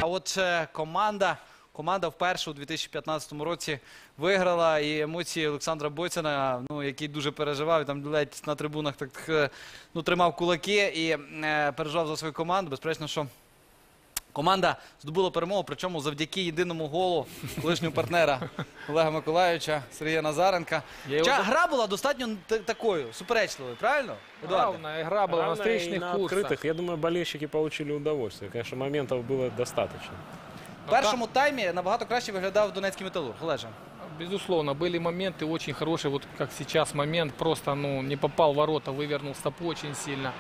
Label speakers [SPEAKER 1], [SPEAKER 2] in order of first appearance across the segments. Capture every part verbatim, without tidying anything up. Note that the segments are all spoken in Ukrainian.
[SPEAKER 1] от е, команда, команда вперше у дві тисячі п'ятнадцятому році виграла, і емоції Олександра Бойцена, ну, який дуже переживав, там ледь на трибунах так, е, ну, тримав кулаки і е, переживав за свою команду. Безперечно, що команда здобула перемогу, причому завдяки єдиному голу колишнього партнера Олега Миколайовича, Сергія Назаренка. Хоча гра була достатньо такою, суперечливою, правильно?
[SPEAKER 2] Равная игра была на встречных
[SPEAKER 3] на
[SPEAKER 2] курсах.
[SPEAKER 3] открытых. Я думаю, болельщики получили удовольствие. Конечно, моментов было достаточно.
[SPEAKER 1] В першому таймі набагато краще виглядав Донецький Металург. Олеже.
[SPEAKER 2] Безусловно, были моменты очень хорошие. Вот как сейчас момент, просто ну, не попал в ворота, вывернул стопу очень сильно.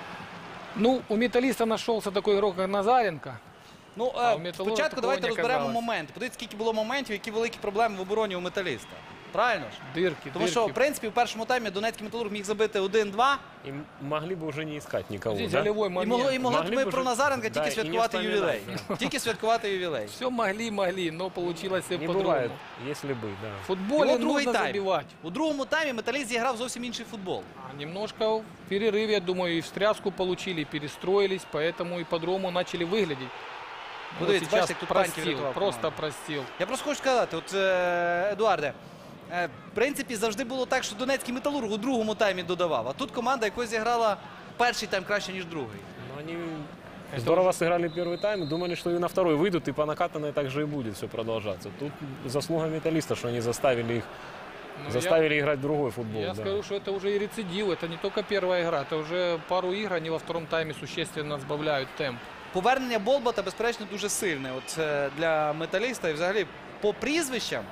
[SPEAKER 2] Ну, у Металлиста нашелся такой игрок, как Назаренко.
[SPEAKER 1] Ну,
[SPEAKER 2] А
[SPEAKER 1] е,
[SPEAKER 2] у Металурга
[SPEAKER 1] спочатку
[SPEAKER 2] такого
[SPEAKER 1] давайте
[SPEAKER 2] не
[SPEAKER 1] розберемо
[SPEAKER 2] оказалось.
[SPEAKER 1] моменти. Подивіться, скільки було моментів, які великі проблеми в обороні у Металіста. Правильно ж?
[SPEAKER 2] Дырки,
[SPEAKER 1] Тому
[SPEAKER 2] дырки.
[SPEAKER 1] що, в принципі, в першому таймі Донецький Металург міг забити один-два.
[SPEAKER 3] И могли бы уже не искать никого.
[SPEAKER 2] Здесь
[SPEAKER 3] Да?
[SPEAKER 2] голевой
[SPEAKER 1] І
[SPEAKER 2] момент.
[SPEAKER 1] могли, і могли б
[SPEAKER 3] Могли
[SPEAKER 1] ми
[SPEAKER 3] б
[SPEAKER 1] про
[SPEAKER 3] уже-
[SPEAKER 1] Назаренка
[SPEAKER 3] да,
[SPEAKER 1] тільки
[SPEAKER 3] і не
[SPEAKER 1] святкувати
[SPEAKER 3] вспоминати.
[SPEAKER 1] ювілей. Тільки святкувати ювілей.
[SPEAKER 2] Все могли, могли, но получилось все
[SPEAKER 3] Не
[SPEAKER 2] по-другому.
[SPEAKER 3] бывает, если бы, да.
[SPEAKER 2] В футболе
[SPEAKER 1] І от другий
[SPEAKER 2] нужно
[SPEAKER 1] тайм.
[SPEAKER 2] забивать.
[SPEAKER 1] У другому таймі Металіст зіграв зовсім інший футбол.
[SPEAKER 2] А немножко в перерыве, я думаю, и встряску получили, и перестроились, поэтому и по-другому начали выглядеть. Ну,
[SPEAKER 1] Подивіться,
[SPEAKER 2] сейчас
[SPEAKER 1] бачите, як тут Паньків
[SPEAKER 2] простил,
[SPEAKER 1] рятував
[SPEAKER 2] просто
[SPEAKER 1] команду.
[SPEAKER 2] простил.
[SPEAKER 1] Я просто хочу сказати, от, е, Едуарде, е, в принципі, завжди було так, що Донецький Металург у другому таймі додавав. А тут команда якось зіграла перший тайм краще, ніж другий.
[SPEAKER 3] Но они здорово сыграли первый тайм, думали, что и на второй выйдут, и по накатанной так же и будет все продолжаться. Тут заслуга Металлиста, что они заставили их,
[SPEAKER 2] Ну,
[SPEAKER 3] заставили играть в другой футбол.
[SPEAKER 2] Я
[SPEAKER 3] да.
[SPEAKER 2] скажу, что это уже и рецидив, это не только первая игра, это уже пару игр, они во втором тайме существенно сбавляют темп.
[SPEAKER 1] Повернення Болбота, безперечно, дуже сильне от, е, для Металіста. И взагалі, по прізвищам,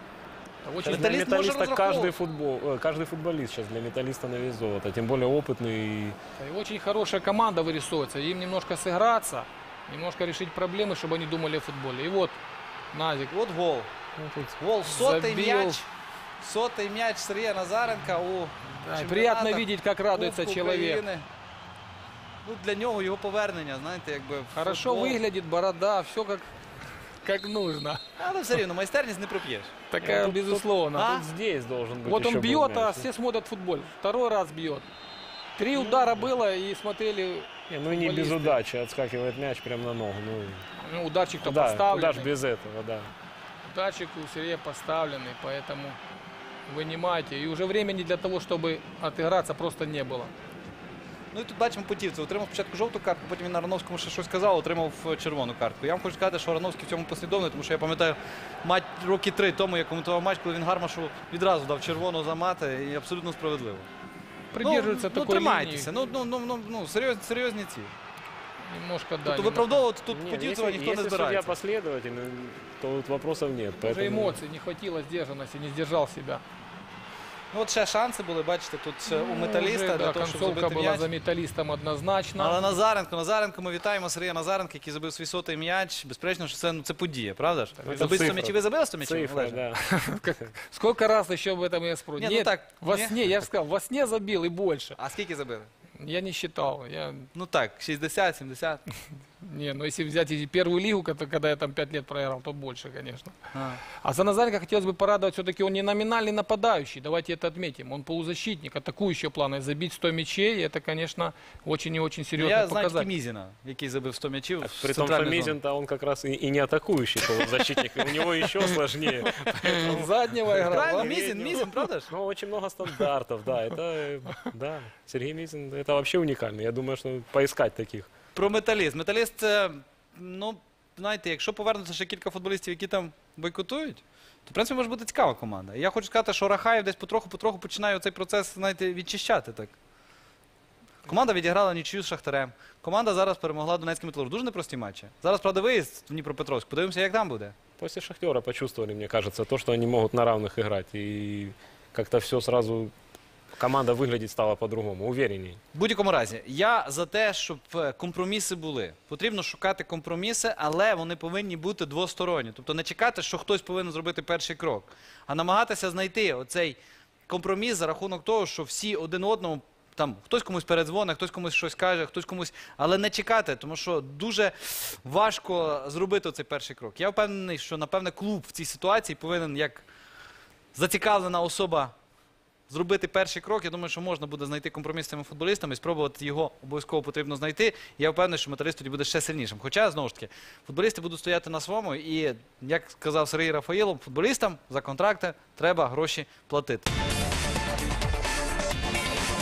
[SPEAKER 2] Это очень
[SPEAKER 3] Для
[SPEAKER 1] Металлист может
[SPEAKER 3] Металлиста каждый,
[SPEAKER 1] разраховывать.
[SPEAKER 3] футбол, э, каждый футболист сейчас для Металлиста на вес золота, тем более опытный. и-
[SPEAKER 2] И очень хорошая команда вырисовывается. Им немножко сыграться, немножко решить проблемы, чтобы они думали о футболе. И вот Назик.
[SPEAKER 1] от гол.
[SPEAKER 3] ну, тут
[SPEAKER 1] Гол, сотий
[SPEAKER 2] Забил.
[SPEAKER 1] м'яч. Сотий м'яч Сергія Назаренка у
[SPEAKER 2] Да,
[SPEAKER 1] чемпіонатах,
[SPEAKER 2] приятно видеть, как радуется
[SPEAKER 1] Кубку
[SPEAKER 2] человек.
[SPEAKER 1] України. Ну, для нього його повернення, знаєте, якби в
[SPEAKER 2] Хорошо
[SPEAKER 1] футбол.
[SPEAKER 2] выглядит, борода, все как, как нужно.
[SPEAKER 1] Але все рівно, майстерність не проп'єш.
[SPEAKER 2] Такая,
[SPEAKER 3] тут-
[SPEAKER 2] безусловно.
[SPEAKER 1] А?
[SPEAKER 3] тут здесь должен быть
[SPEAKER 2] Вот
[SPEAKER 3] еще
[SPEAKER 2] он
[SPEAKER 3] был
[SPEAKER 2] бьет, а
[SPEAKER 3] мяч.
[SPEAKER 2] все смотрят футбол. Второй раз бьет. Три удара было и смотрели.
[SPEAKER 3] Не, ну и не без
[SPEAKER 2] футболисты.
[SPEAKER 3] удачи, отскакивает мяч прямо на ногу. Ну,
[SPEAKER 2] Ну, ударчик-то
[SPEAKER 3] куда,
[SPEAKER 2] поставленный.
[SPEAKER 3] куда ж без этого, да.
[SPEAKER 2] Ударчик у Сергея поставленный, поэтому вынимайте. И уже времени для того, чтобы отыграться, просто не было.
[SPEAKER 1] Ну і тут бачимо Путівцев. Отримав спочатку жовту картку, потім він на Рановському ще щось сказав, отримав е, червону картку. Я вам хочу сказати, що Рановський в цьому послідовний, тому що я пам'ятаю матч роки три тому, я коментував матч, коли він Гармашу відразу дав червону за мати, і абсолютно справедливо.
[SPEAKER 2] Придерживается
[SPEAKER 1] ну, ну,
[SPEAKER 2] такой
[SPEAKER 1] тримайтеся,
[SPEAKER 2] линии.
[SPEAKER 1] ну, ну, ну, ну, серйозні, серйозні ці.
[SPEAKER 2] Немножко, да.
[SPEAKER 1] Тобто
[SPEAKER 2] немножко.
[SPEAKER 1] виправдовувати тут
[SPEAKER 3] Нет,
[SPEAKER 1] Путівцева
[SPEAKER 3] если,
[SPEAKER 1] ніхто не
[SPEAKER 3] если судья
[SPEAKER 1] збирається.
[SPEAKER 3] последовательный, то тут вопросов нет.
[SPEAKER 2] Уже
[SPEAKER 3] Поэтому...
[SPEAKER 2] эмоций не хватило сдержанности, не сдержал себя.
[SPEAKER 1] Ну, от ще шанси були, бачите, тут е, у Металіста
[SPEAKER 2] Уже,
[SPEAKER 1] для
[SPEAKER 2] да,
[SPEAKER 1] того, щоб
[SPEAKER 2] концовка
[SPEAKER 1] забити
[SPEAKER 2] была
[SPEAKER 1] м'яч.
[SPEAKER 2] за металлистом однозначно.
[SPEAKER 1] Але Назаренко, Назаренко, ми вітаємо Сергія Назаренка, який забив свій сотий м'яч. Безперечно, що це, ну, це подія, правда ж?
[SPEAKER 3] це
[SPEAKER 1] Забити сто
[SPEAKER 3] цифра.
[SPEAKER 1] м'ячів, ви забили сто м'ячів?
[SPEAKER 3] Цифра,
[SPEAKER 1] Олеже?
[SPEAKER 3] да.
[SPEAKER 2] Сколько раз еще об этом я спрошу?
[SPEAKER 1] Не, ну
[SPEAKER 2] Нет,
[SPEAKER 1] так,
[SPEAKER 2] во
[SPEAKER 1] не.
[SPEAKER 2] сне, я же сказал, во сне забил и больше.
[SPEAKER 1] А скільки забили?
[SPEAKER 2] Я не считал. Я...
[SPEAKER 1] Ну так, шістдесят, сімдесят.
[SPEAKER 2] Не, ну если взять и первую лигу, когда когда я там пять лет проиграл, то больше, конечно.
[SPEAKER 1] А.
[SPEAKER 2] А за Назаренко хотелось бы порадовать, все-таки он не номинальный нападающий, давайте это отметим. Он полузащитник, атакующего плана. И забить сто мячей, это, конечно, очень и очень серьезный
[SPEAKER 1] Я знаю тільки
[SPEAKER 2] показатель.
[SPEAKER 1] Мізіна, який забив сто м'ячів.
[SPEAKER 3] Так,
[SPEAKER 1] в
[SPEAKER 3] при том, что
[SPEAKER 1] центральній зоні.
[SPEAKER 3] Мизин-то он как раз и, и не атакующий полузащитник, у него еще сложнее.
[SPEAKER 2] Он заднего играл.
[SPEAKER 1] Правильно,
[SPEAKER 2] да?
[SPEAKER 1] Мізін, Мізін, правда ж?
[SPEAKER 3] Ну, очень много стандартов, да, это, э, да, Сергей Мизин, это вообще уникально. Я думаю, что поискать таких.
[SPEAKER 1] Про Металіст. Металіст, це, ну, знаєте, якщо повернуться ще кілька футболістів, які там бойкотують, то, в принципі, може бути цікава команда. І я хочу сказати, що Рахаєв десь потроху-потроху починає цей процес, знаєте, відчищати так. Команда відіграла нічию з Шахтарем. Команда зараз перемогла Донецький Металург. Дуже непрості матчі. Зараз, правда, виїзд в Дніпропетровськ. Подивимося, як там буде.
[SPEAKER 3] После Шахтера почувствовали, мне кажется, то, что они могут на равных играть. И как-то все сразу, команда выглядеть стала по-другому, уверенней.
[SPEAKER 1] В будь-якому разі, я за те, щоб е, компроміси були. Потрібно шукати компроміси, але вони повинні бути двосторонні. Тобто не чекати, що хтось повинен зробити перший крок, а намагатися знайти оцей компроміс за рахунок того, що всі один одному, там, хтось комусь передзвонить, хтось комусь щось каже, хтось комусь, але не чекати, тому що дуже важко зробити цей перший крок. Я впевнений, що, напевне, клуб в цій ситуації повинен, як зацікавлена особа зробити перший крок. Я думаю, що можна буде знайти компроміс з цими футболістами і спробувати його обов'язково потрібно знайти. Я впевнений, що Металіст тоді буде ще сильнішим. Хоча, знову ж таки, футболісти будуть стояти на своєму і, як сказав Сергій Рафаїлов, футболістам за контракти треба гроші платити.